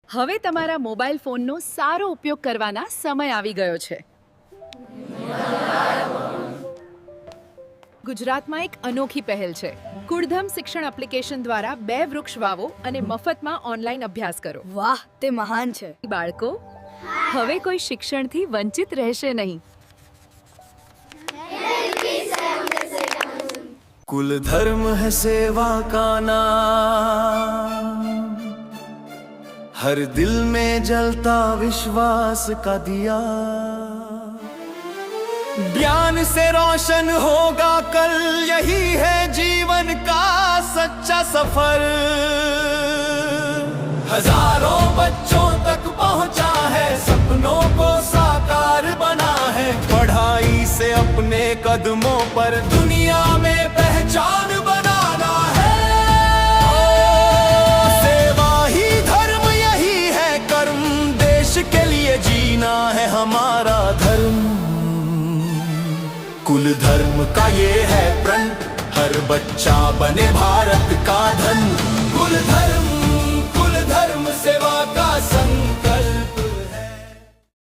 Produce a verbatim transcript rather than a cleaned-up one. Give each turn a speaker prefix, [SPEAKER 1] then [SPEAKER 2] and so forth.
[SPEAKER 1] હવે તમારા મોબાઈલ ફોનનો સારો ઉપયોગ કરવાના સમય આવી ગયો છે. ગુજરાતમાં એક અનોખી પહેલ છે. કુળધમ શિક્ષણ એપ્લિકેશન દ્વારા બે વૃક્ષ વાવો અને મફતમાં ઓનલાઈન અભ્યાસ કરો.
[SPEAKER 2] વાહ, તે મહાન છે.
[SPEAKER 1] બાળકો, હવે કોઈ શિક્ષણથી વંચિત રહેશે નહીં.
[SPEAKER 3] कुल धर्म है सेवा का नाम, हर दिल में जलता विश्वास का दिया, ज्ञान से रोशन होगा कल, यही है जीवन का सच्चा सफर. हजारों बच्चों तक पहुंचा है, सपनों को साकार बना है, पढ़ाई से अपने कदमों पर दुनिया में पहचान बनाना है. सेवा ही धर्म, यही है कर्म, देश के लिए जीना है हमारा धर्म. कुल धर्म का ये है प्रण, हर बच्चा बने भारत का धन. कुल धर्म